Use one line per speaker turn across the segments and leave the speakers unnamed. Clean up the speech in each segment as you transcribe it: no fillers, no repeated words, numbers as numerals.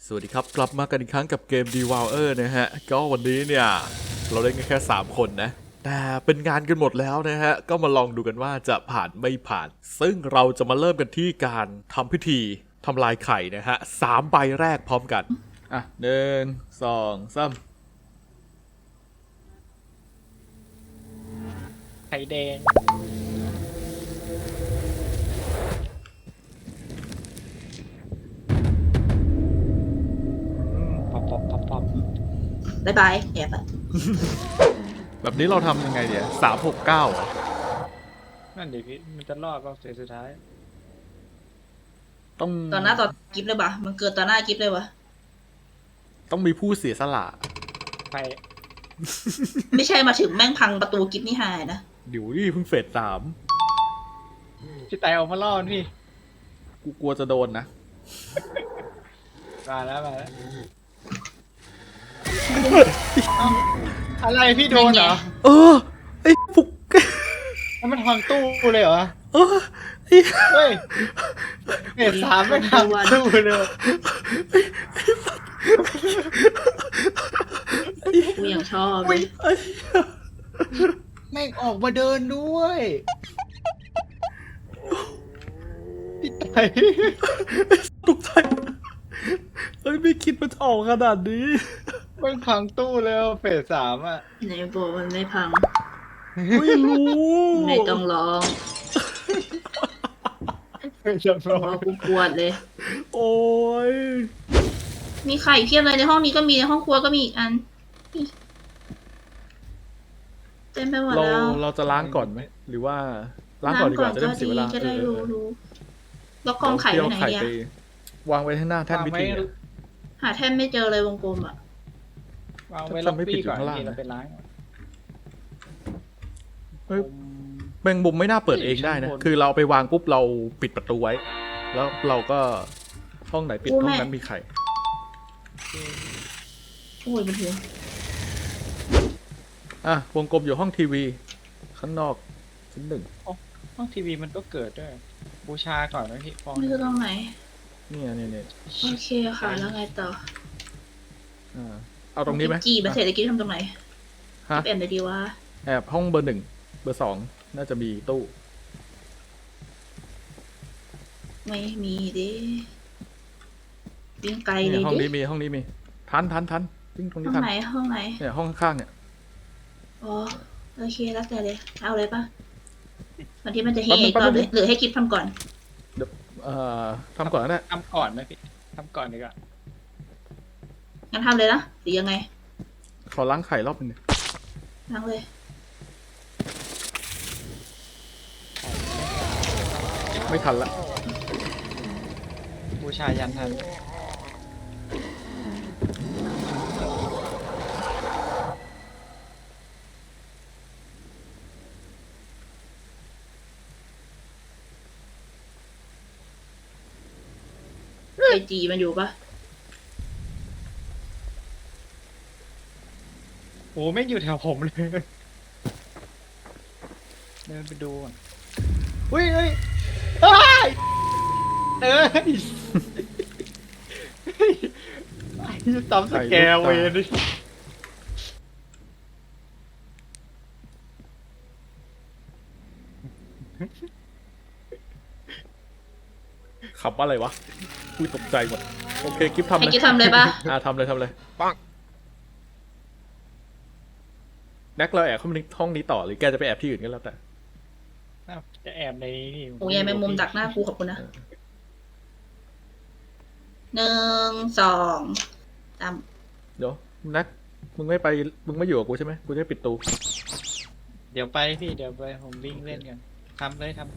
สวัสดีครับกลับมากันอีกครั้งกับเกม Devour นะฮะก็วันนี้เนี่ยเราเล่นกันแค่3คนนะแต่เป็นงานกันหมดแล้วนะฮะก็มาลองดูกันว่าจะผ่านไม่ผ่านซึ่งเราจะมาเริ่มกันที่การทำพิธีทำลายไข่นะฮะ3 ใบแรกพร้อมกันอ่ะ1 2 3
ไข่แดงป๊อปป๊อปป๊อปป๊อป
บายบายแอบอะ
แบบนี้เราทำยังไงเดี๋ยว3 6 9อ่ะ
นั่นดิพี่มันจะรอดเปล่าเสียสุดท้าย
ต้อง
ตอนหน้าต่อกิฟเลยปะมันเกิดตอนหน้ากิฟเลยวะ
ต้องมีผู้เสียสละ
ไฟ
ไม่ใช่มาถึงแม่งพังประตูกิฟนี่หายนะ
เดี๋ยวนี่เพิ่งเฟส3
พี่ไตเอามาล่อมันพี่
กูกลัวจะโดนนะ
มาแล้วมาแล้วเอ้าอะไรพี่โดนเหรอ
เออไอ้ฟุก
แล้วมันพังตู้เลยเหรอ
เออไอ้
เฮ้ยเอ็ดสามไม่พังตู้เลย
กูยังชอบเลย
แม่งออกมาเดินด้วยพี่ไต
ตกใจเอ้ยไม่คิดมันจะออกขนาดนี้
แม่งพังตู้แล้วเฟสสามอ่ะ
ไหนบอกมันไม่พัง
ไม่รู้
ไม่ต้องร้อง
จะ
เพ
รอ
ราะว่ากูปวดเลย
โอ้ย
มีไข่เพียบเลยในห้องนี้ก็มีในห้องครัวก็มีอีกอันนี่เต็มไปหมด
เรา
แล้ว
เราจะล้างก่อนไหมหรือว่าล้างก่อนดีกว่าจะได้ไม่เสียเวลา
จะได้
เออ
รู้แล้วกองไข่
เที่ยว
ไปไหน
ไข่
เนี่ย
ไปวางไว้ข้างหน้าแท่นพิธีอะ
หาแท่นไม่เจอเลยวงกลมอ่ะ
วางไว้ล็อบบี้ก่อน
ทำให้ปิดอยู่ข้างล่าง
ที่เราไปล้าง
เฮ้ยแมงมุมไม่น่าเปิดเองได้นะ คือเราเอาไปวางปุ๊บเราปิดประตูไว้ แล้วเราก็ห้องไหนปิดห้องนั้นมีไข่
โอ้ยมันหัว
อ่ะวงกลมอยู่ห้องทีวี ข้างนอกชั้น 1
ห้องทีวีมันก็เกิดด้วยบูชาก่อนนะพี่ฟอง
นี่คือตรงไหน
เนี่ย
โอเคค่ะแล้วไงต่อ
อ่าเอาตรงนี้ไหม
จีบเสร็จตะกี้ทำตรงไหน
ฮะ
แอบเลยดีว่า
แอบห้องเบอร์ 1 เบอร์ 2 น่าจะมีตู้
ไม่มีดิวิ่งไกลเล
เนี่ย
ย
ห้อง
ดิ
นี้มีห้องนี้มีทันวิ่งตรงนี้
ห้อง
ทัน
ไหนห้องไหน
เนี่ยห้องข้างๆเนี่ย
อ๋อโอเคแล้วแต่เลยเอาเลยปะวันที่มันจะเฮ
แป๊บนึง
ก่อนหรือให้กิฟทำก่อน
เอ่อทำก่อนนะ
ทำก่อนไหมพี่ทำก่อนดีกว่า
งั้นทำเลยนะหรือยังไง
ขอล้างไข่รอบนึงดิ
ล้างเลย
ไม่ทันละ
บูชายันทัน
ไอจีมันอยู่ปะ
โอ้ไม่งอยู่แถวผมเลยเดินไปดูก่อนเฮ้ยเอ้ยเฮ้ยไอ้ซ้ำสแกลเวนดิ
ขับอะไรวะอุ้ยตกใจหมดโอเคกิฟทำ
ให้
เลย
กิฟทำเลยปะ
ทำเลยปังแน็กเราแอบเข้ามาในห้องนี้ต่อหรือแกจะไปแอบที่อื่นก็แล้วแต่
อ้าวจะแอบในนี่
โอ้ยายแมงมุมดักหน้ากูขอบคุณนะ1 2 3
เดี๋ยวแน็กมึงไม่อยู่กับกูใช่ไหมกูจะปิดตู
เดี๋ยวไปพี่เดี๋ยวไปผมวิ่งเล่นกันทำเลยทำ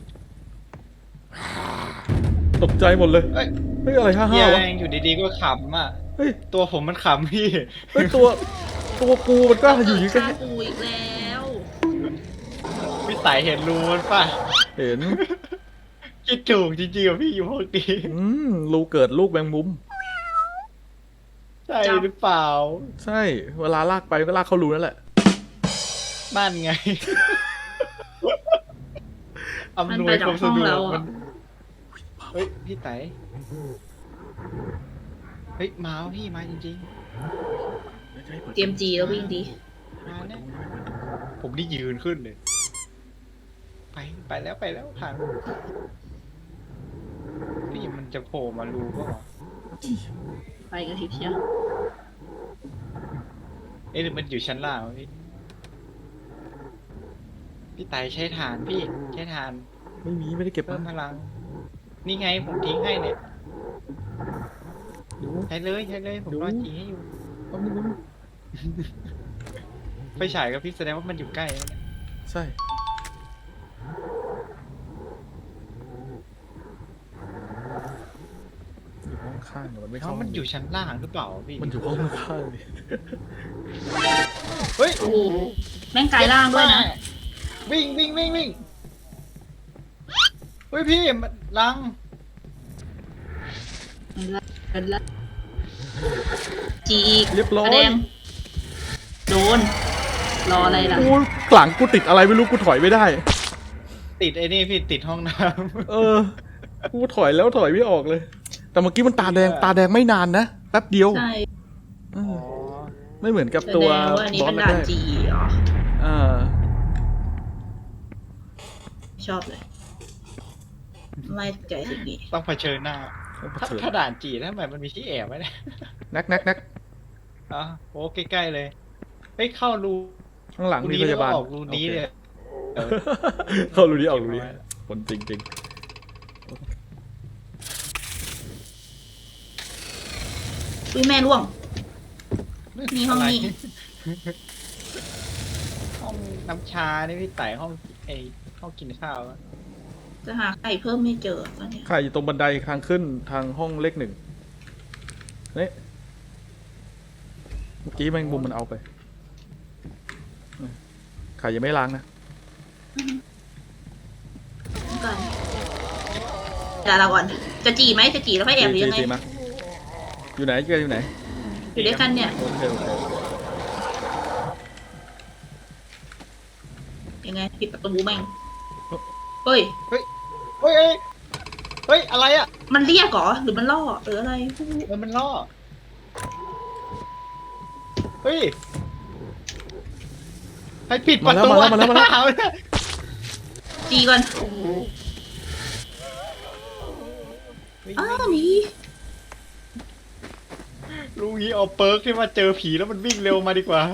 ตกใจหมดเลย
เอ้ย
เฮ้ยอะไร
เฮียว
ห้าะ
เองอยู่ดีๆก็ขำอ่ะ
เฮ้ย
ตัวผมมันขำพี่
เฮ้ยตัวกูมันก็อยู่อย่างนี้ก็
ฆ่ากูอีกแล้ว
พี่สายเห็นรูมันป่ะ
เห็น
คิดถูกจริงๆกับพี่อยู่พวกนี้
รูเกิดลูกแมงมุม
ใช่หรือเปล่า
ใช่ เวลาลากไปก็ลากเข้ารูนั่นแหละ
นั่นไง
มัน
อำนว
ไป
ย
จา
ควาก ม
ห้
สะ
อง
ดว
เรา
กมั
อ่ะ
นเฮ้ยพี่ไตเฮ้ยมาพี่มาจริง
เตรียมจีแล้ววิ่งดี
ๆมาเนี่ยผมนี่ยืนขึ้นเลย ไปแล้วผ่านพี่มันจะโผล่มารูก็หรอ
ไปกันทีเดียว
เอ๊ะหรือมันอยู่ชั้นล่างวะพี่ไต่ใช้ฐานพี่ใช้ฐาน
ไม่ได้เก็บ
เพิ่มพ
มา
ลัง นี่ไงผมทิ้งให้เนี่ย
ดู
ใช้เลยผมรอจีให้อยู่
แป๊บนึง
ไฟฉายกับพี่แสดงว่ามันอยู่ใกล้แล้วเนี่ย
ใช่อยู่ห้องข้างมันไม่
เพ
เข้า
ราะมันอยู่ชั้นล่างหรือเปล่าพี่
มันอยู่ห้องข้างดิ
เฮ้ย
โอ้โหแม่งกลายร่างด้วยนะ
วิ่งเฮ้ยพี่มันลัง
จีอีก
เรียบร้อย
แสดงโดน รออะไรล่ะ
กูหลังกูติดอะไรไม่รู้กูถอยไม่ได้
ติดไอ้นี่พี่ติดห้องน้
เออ กูถอยแล้วถอยไม่ออกเลย แต่เมื่อกี้มันตาแดงไม่นานนะแป๊บเดียว
ใช่
เอ
ำ
อไม่เหมือนกับ
แส
ตั
ด
ว
งว่าอันนี้
บอ
เป็
ส
น
แร
ด่าน
ก
จีเหรอ
ๆอ่า
ชอบเลย ไม่ใจสิ่งนี้
ต้องเผชิญหน้า
ต้องเผ
ถ้า
ชิญ
ถ้าด่านจีทำไมมันมีที่แอบไว้เนี่ย
นัก
อ๋อโอ้ใกล้ๆเลยเฮ้ยเข้ารู
ข้างหลังมี
นี้
พ
แล้ว
ยา
ก็
บาล
ออกรูนี้เลย
โอเคเข้ารูนี้ออกรูนี้คนจริง
อุ้ยแม่ร่วง มีห้องนี้
ห้องน้ำชานี่พี่ไต่ห้องห้องกินข้าวอะ
จะหาไข่เพิ่มไม่เจอตอนเนี้ย
ๆไข่อยู่ตรงบันไดทางขึ้นทางห้องเลข1นี่เมื่อกี้แมงมุมมันเอาไปไข่ยังไม่ล้างนะ
ก่อนเดี๋ยวเราก่อน จะจีไหมจะจีแล้วค่อยแอบหรือยังไง
ตีมาอยู่ไหนเกอยู่ไหน
อยู่ด้วยกันเนี่ย
โอเค
ยังไงปิดประตูแม่งเฮ้ย
เฮ้ยอะไรอ่ะ
มันเรียกเหรอ หรือมันล่อหรืออะไร
มันล่อเฮ้ยใครปิดประตู
มาแล้ว
เนี่ย
จีก่อน
เฮ้ย
อ้าวหนี
ลุงนี้เอาเปิร์กที่มาเจอผีแล้วมันวิ่งเร็วมาดีกว่า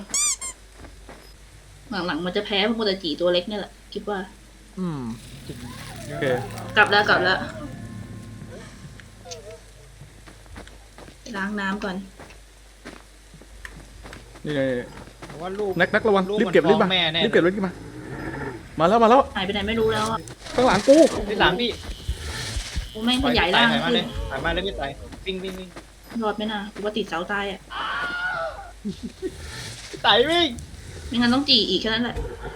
หลังๆมันจะแพ้พวกมันจะจีตัวเล็กเนี่ยแหละ คิดว่า
อืมโอเค
กลับแล้วไปล้างน้ำก่อน
นี่ไง
ว่าลูก
นักระวัง
ลูก
รีบเก็บ
มัน
รีบมา
ฟ้องแม่แน่
รีบเก็บรีบมามาแล้ว
หายไปไหนไม่รู้แล้วอ่ะ
ข้างหลังกู
ที่หลังพี่
กูแม่งขยายร่าง
ถอยมา
ขึ้
เล
น
ยถอยมาเลยพี่ไต่วิ่ง
รอดไหมนะกูว่าติดเสาตายอ่ะ
พี่ไต่วิ่ง
ไม่งั้นต้องจีอีกแค่นั้นแหละ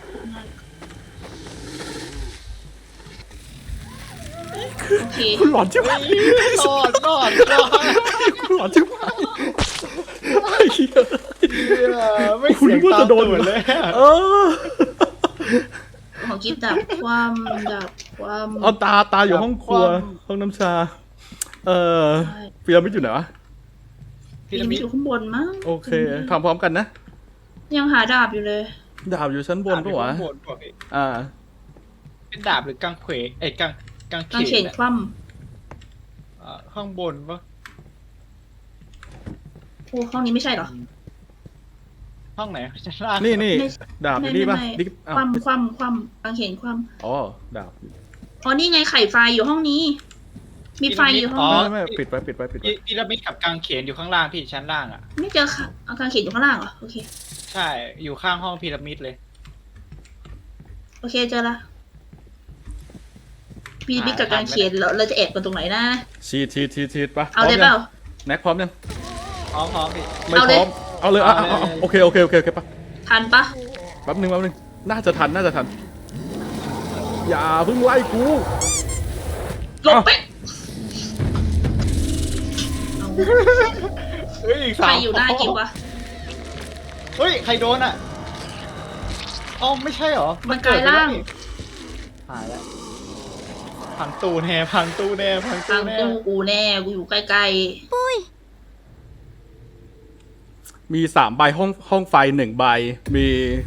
โอเค
คุณหลอนใช่ไหม
รอด
คุณหลอนใช่ไหมไอ้เหี้ย
ไม่เสียงตามตูดเลย
เออ
ของกิฟดับความดับความ
เอาตาอยู่ห้องครัวห้องน้ำชา พีระมิดอยู่ไหนวะ
พีระมิดอยู่ข้างบนมั้ง
โอเคทำพร้อมกันนะ
ยังหาดาบอยู่เลย
ดาบอยู่ชั้นบนปะวะ
บนปะพี่
อ่า
เป็นดาบหรือกังเขวกัง
กาง
เข
เขน
น
คว่
ข้างบนปะ
ำโอ้ห้องนี้ไม่ใช่เหรอ
ห้องไหนชั้นล่าง
นี่
ไม่
ดาบอยู่นี่ปะนี่
ค
อ้าว
ว่ำกางเขนคว่
อ๋อดาบ
ำอ๋อนี่ไงไข่ไฟอยู่ห้องนี้ มีไฟอยู่ห้องนี้
ไม่ปิดไว้
พีระมิดกับกังเขนอยู่ข้างล่างพี่ชั้นล่างอ่ะ
ไม่เจอค่ะเอากางเขนอยู่ข้างล่างเหรอ โอเค
ใช่อยู่ข้างห้องพีระมิดเลย
โอเคเจอละพีระมิดกับกางเขนเราจะแอบกันตรงไหนนะ
ชีดปะ
เอาเลยเปล่า
แน็กพร้อมยัง
พร้อมพี่
ไม่พร้อมเอาเลยโอเคปะ
ทันปะ
แป๊บนึงน่าจะทันอย่าเพิ่งไล่กู
หลบไปเอา
เฮ้ยอีก
ใคร
3
อยู่หน้ากิววะ
เฮ้ยใครโดนอ่ะอ๋อไม่ใช่เหรอ
มันกลายร่าง
หายแล้วพังตู้แน่
ทางตู้กูแน่ กูอยู่ใกล้
มี3 ใบห้องไฟ1 ใบมี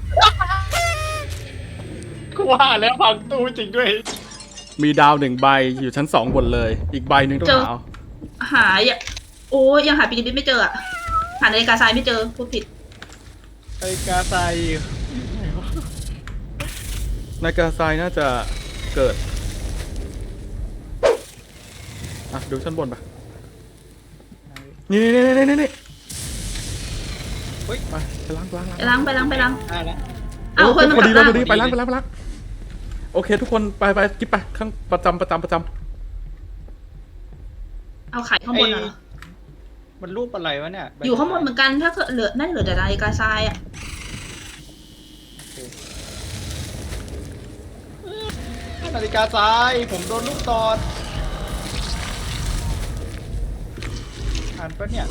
กูว่าแล้วพังตู้จริงด้วย
มีดาว1 ใบอยู่ชั้น2บนเลย อีกใบหนึ่งต้องหาเอา
หาอย่าโอ้ยังหาปีนิดไม่เจออะหานาฬิกาทรายไม่เจอพูดผิด
ไอ้กาไซ
นายกาไซน่าจะเกิดอ่ะดูชั้นบนปะนี่
เฮ้ย
ไปล้าง
ไปล้างไปล้าง
ได้แล้ว
เอาคนมัน
พอก
ลั
ดี
บ
เลย
บ้าน
พอดีไปล้างโอเค ทุกคนไปกิ๊บไปข้างประจำ
เอาไข่ข้างบนเหรอ
มันรูปอะไรวะเนี่ย
อยู่ข้างบนเหมือนกันถ้าเกิดเหลือน่าจะเหลือแต่นาฬิกาทรายอะ
นาฬิกาทรายผมโดนลูกตอดอ่านปะเนี่ย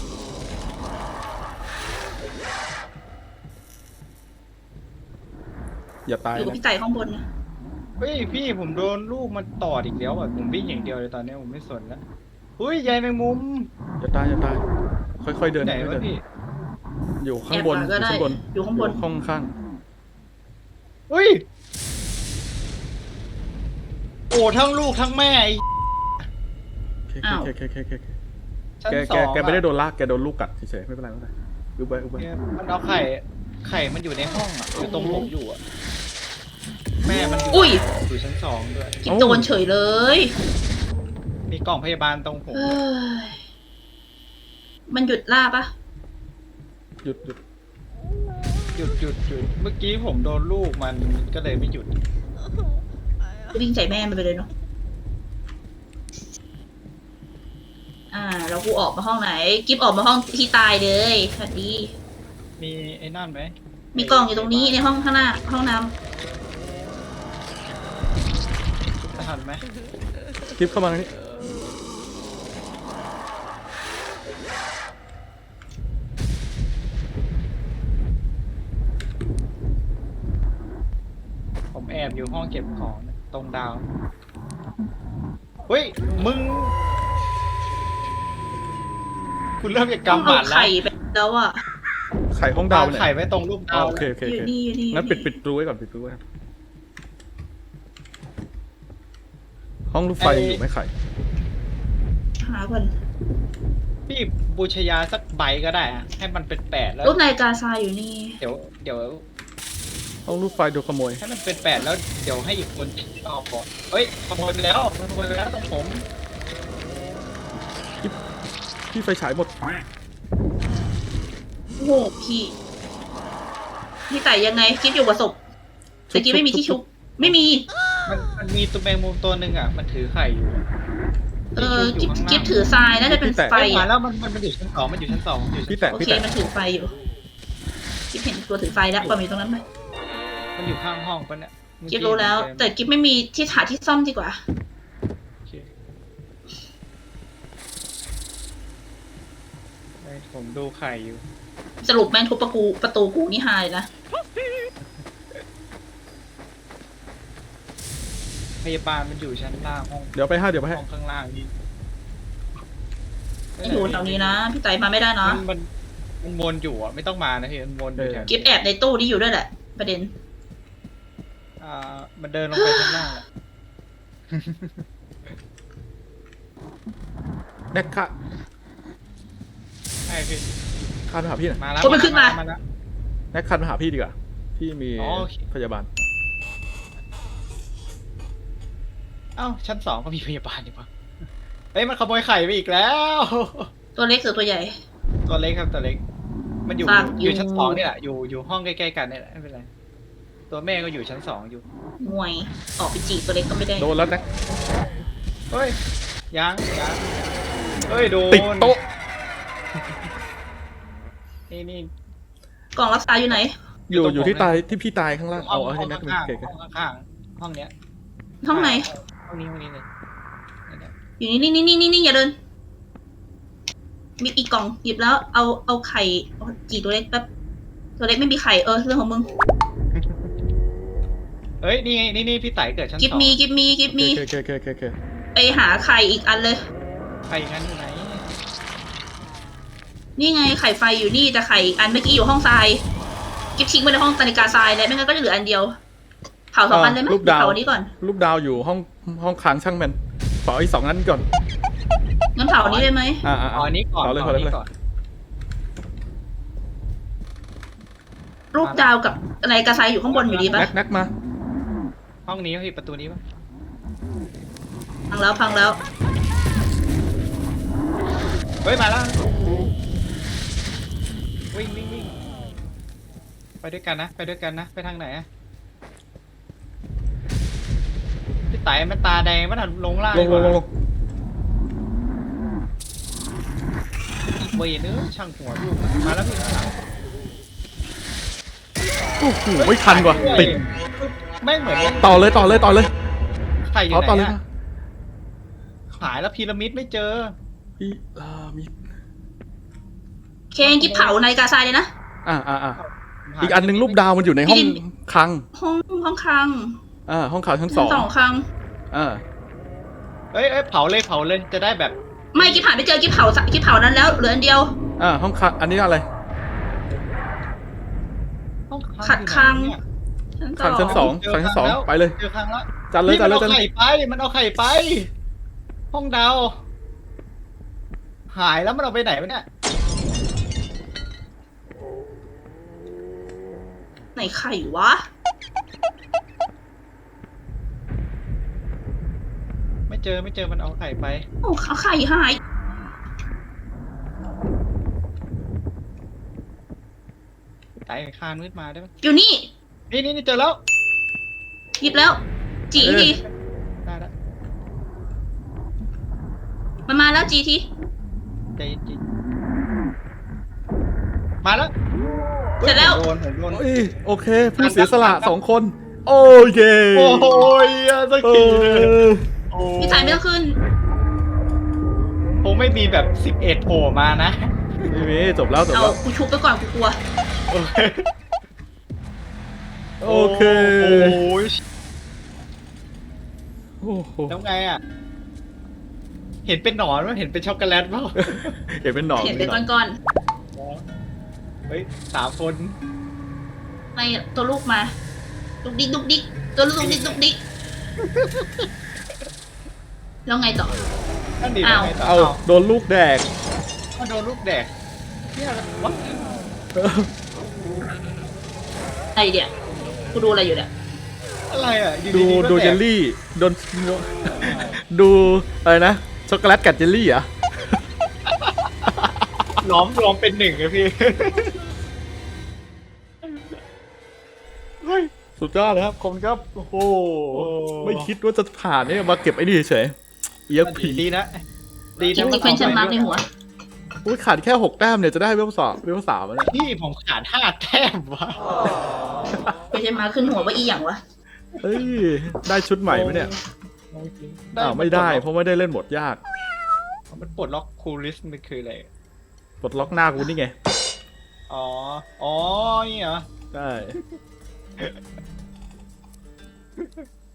อย่าตาย
อยู่กับ
นะ
พี่ไก่ข้างบนนะ
เฮ้ยพี่ผมโดนลูกมันตอดอีกแล้วอ่ะผมวิ่งอย่างเดียวเลยตอนนี้ผมไม่สนแล้วเฮ้ยใยแมงมุม
อย่าตายค่อยๆเดิน
ไหน
ค่อยว
ะ
ๆเดิน
พี่
อยู่ข้า
แอง บบ
น
ก็ได้ อยู่ข้างบน
ห้องข้าง
โอ้ทั้งลูกทั้งแม่ไอ้
อ้าว
โอเค
ชั้น
แก
สอง
แกไม่ได้โดนลากแกโดนลูกกัดเฉยๆไม่เป็นไรอุบไว้
เนี่ยมันเอาไข่มันอยู่ในห้องอ่ะอยู่ตรงผมอยู่อ่ะแม่มัน
อุ้ย
อยู่ชั้นสองด้วย
กินโดนเฉยเลย
มีกล่องพยาบาลตรงผม
เฮ้ยมันหยุดล่าปะ
หยุด
หยุดเมื่อกี้ผมโดนลูกมันก็เลยไม่หยุด
วิ่งใส่แม่มันไปเลยเนาะแล้วกูออกมาห้องไหน กิฟออกมาห้องที่ตายเลยสวัสดี
มีไอ้นั่นไหม
มีกล่องอยู่ตรงนี้ในห้องข้างหน้า ห้องน้
ทันไหม
คลิปเข้ามาตรงนี้
ผมแอบอยู่ห้องเก็บของตรงดาวเฮ้ยมึงคุณเริ่มจาก
ำต้อง
กำห
เอา
มัดแล้ว
ไข่ไปแล้วอ่ะ
ไข่ห้องดาว
วาง
เนี่ย
ไข่ไว้ตรงรูป
อ๋อ
ดาว
โอเค
อยู่นี่อยู่นี่
งั้นปิดรูไว้ก่อนห้องลูกไฟยังอยู่ไหมไข่
หาก่อน
พี่บูชยาสักใบก็ได้อะให้มันเป็น8แล้ว
รูปนาฬิกาทรายอยู่นี่
เดี๋ยว
ห้องลูกไฟโดนขโมย
ให้มันเป็น8แล้วเดี๋ยวให้อีกคนเอาก่อนเฮ้ยขโมยไปแล้วขโมยไปแล้วต้องผม
พี่ไฟฉายหมด
โอ้โหพี่ไก่ยังไงกิฟอยู่กับศพแต่กิฟไม่มีที่ชุบ ไม่มี
มันมีตัวแมงมุมตัวหนึ่งอ่ะมันถือไข่อยู่
กิฟถือทรายน่าจะเป็นไฟ
ไปมา
อ่ะ
แล้วมันอยู่ชั้น 2มันอยู่ชั้น 2มันอยู่ชั้น
พี่แตะ
โอ
พี่
เค
แตะ
มันถือไฟอยู่กิฟเห็นตัวถือไฟแล้วปล่อยมันอยู่ตรงนั้นไป
มันอยู่ข้างห้องปะเนี่ยเมื่อ
กิฟรู้แล้ว แต่กิฟไม่มีที่หาที่ซ่อมดีกว่า
โอเคผมดูไข่อยู่
สรุปแม่งทุบประตูกูนี่หายนะ
พยาบาลมันอยู่ชั้นล่างห้อง
เดี๋ยวไปให้
ห้องข้างล่างนี่
อยู่แถวนี้นะพี่ไต่มาไม่ได้นะ
มันวนอยู่อ่ะไม่ต้องมานะพี่มันวนอยู่แถว
กิฟแอบในตู้นี้อยู่ด้วยแหละ ประเด็น
มันเดินลงไปชั้นล่างแหละ
แน็กค่ะ
ใช่พี่
คานมาหาพี่หน่อย
มาแล้ว
โอ้มันขึ้นมา
แล้ว
แน็กคานมาหาพี่ดีกว่าพี่มี
อ๋อโอเค
พยาบาล
เอ้าชั้น 2ก็มีพยาบาลดีกว่าเฮ้ยมันขโมยไข่ไปอีกแล้ว
ตัวเล็กหรือตัวใหญ่
ตัวเล็กครับตัวเล็ก มันอยู่
ฝาก
อยู่ชั้น 2นี่แหละอยู่ห้องใกล้ๆกันนี่แหละไม่เป็นไรตัวแม่ก็อยู่ชั้น 2อยู่
มวย ออกไปจีบตัวเล็กก็ไม่ได้
โดนแล้วแน็ก
เฮ้ยยังเฮ้ยโดน
ติดโต๊ะ
นี่
กล่องรักษาอยู่ไหน
อยู่ที่ตายที่พี่ตายข้างล่าง
ห้อง
เอาให้แน็ก
ข้าง
เก๋
ๆห้องข้างๆห้องเนี้ย
ห้องไหน
ห้องนี้เลยเนี่ย
อยู่นี่นี่อย่าเดิน มีอีกกล่องหยิบแล้วเอาไข่จีตัวเล็กแป๊บตัวเล็กไม่มีไข่เรื่องของมึง
เฮ้ยนี่ไงนี่พี่ไต่เกิดชั้น
กิฟ
2
มี
โอเค
ไปหาไข่อีกอันเลย
ใครงั้นอยู่ไหน
นี่ไงไข่ไฟอยู่นี่แต่ไข่อันเมื่อกี้อยู่ห้องทรายกิฟทิ้งไว้ในห้องนาฬิกาทรายเลยไม่งั้นก็จะเหลืออันเดียวเผา2 อันเลยไหม
ลูกดาว
เผาอันนี้ก่อน
ลูกดาวอยู่ห้องค้างช่างแมนเผาอีก2 นั้นก่อน
งั้นเผาอันนี้เลยไหม
เอาอันนี้ก่อน
เผาเลย
เอาอันนี้ก่อน
รูปดาวกับนาฬิกาทรายอยู่ข้างบนอยู่ดีปะ
แน็กมา
ห้องนี้พี่ประตูนี้ปะ
พังแล้ว
เฮ้ยมาแล้ววิ่งไปด้วยกันนะไปทางไหนอะพี่ไต่มันตาแดงมันลงล่าง
ลง
เวยเนื้อช่างหัวลูกมาแล้วพี่ข้างหลัง
โอ้โหไม่ทันว่ะติด
ไม่เหมือน
ต่อเลย
ใครอยู่
เอา
ไห
ต่อน เลย
อะหายแล้วพีระมิดไม่เจอ
พี่มี
เคนกิฟเผานาฬิกาทรายเลยนะ
อีกอันหนึงรูปดาวมันอยู่ในห้องคลัง
ห้องคลัง
ห้องคลังชั้น
ชั้น
2
2 คลัง
เอ้ยเผาเลยจะได้แบบ
ไม่กิฟหาไม่เจอกิฟเผานั้นแล้วเหลืออันเดียว
ห้องคลังอันนี้อะไร
ต้อง
ขัดคลัง
คลังชั้น 2คลังชั้น 2ไปเลย
เจอครั้งแล้ว
จัดเลย
มันเอาไข่ไปห้องดาวหายแล้วมันเอาไปไหนวะเนี่ย
ไหนไข่วะ
ไม่เจอมันเอาไข่ไป
โอ้ไข่หาย
ไต่คานมืดมาได้ปะ
อยู่นี่
นี่เจอแล้ว
หยิบแล้ว จีที
ได้แล้ว
มันมาแล้วจีที
ใจเย็นมาแล้ว
เสร็จแล้ว
ผมโดน
โอเคผู้เสียสละ2 คน โอเค
โอ้ยสักทีเลยโอ้
พี่สายไม่ต้องขึ้น
คงไม่มีแบบ11โผล่มานะ
ไม่มีจบแล้ว
เอากูชุบไปก่อนกูกลัว
โอเค
โอ้ย
โอ้โห
แล้วไงอ่ะ เห็นเป็นหนอนมั้ยเห็นเป็นช็อกโกแลตเปล่า
เห็นเป็นหนอน
เห็นเป็นก้อน
เฮ้ย3 คน
ๆไม่ตัวลูกมาดุกดิกตัวลูกดุกดิกแล้วไงต่อ
นั่นดี
อ้าว
ไงต่
เอาโดนลูกแดก
ก็โดนลูกแดกเนี่ยวัด
อะไรเดี๋ยวกูดูอะไรอยู่เนี่ย
อะไรอ่ะอยู่
ดู
ๆก็
ดู
แดก
เจลลี่โดนดูอะไรนะช็อกโกแลตกัดเจลลี่เหรอ่ะ
ล้อมเป็นหนึ่งอะพี่
สุดยอดเลยครับคมครับโอ้โห
โอ้
ไม่คิดว่าจะผ่านเนี่ยมาเก็บไอ้นี่เฉยเอียกผี
ดีนะ
จิก question mark ในหัว
อุ้ยขาดแค่6 แต้มเนี่ยจะได้เวล2เวล3แล้วเนี่ย
พี่ผมขาด5 แต้มวะ
question mark ขึ้นหัวว่าอีหยังวะ
เฮ้ยได้ชุดใหม่ไหมเนี่ยไม่ได้เพราะไม่ได้เล่นหมดยาก
มันปลดล็อกคูลิสมันคืออะไร
ปลดล็อกหน้ากูนี่ไง
อ๋อนี่เหรอ
ได้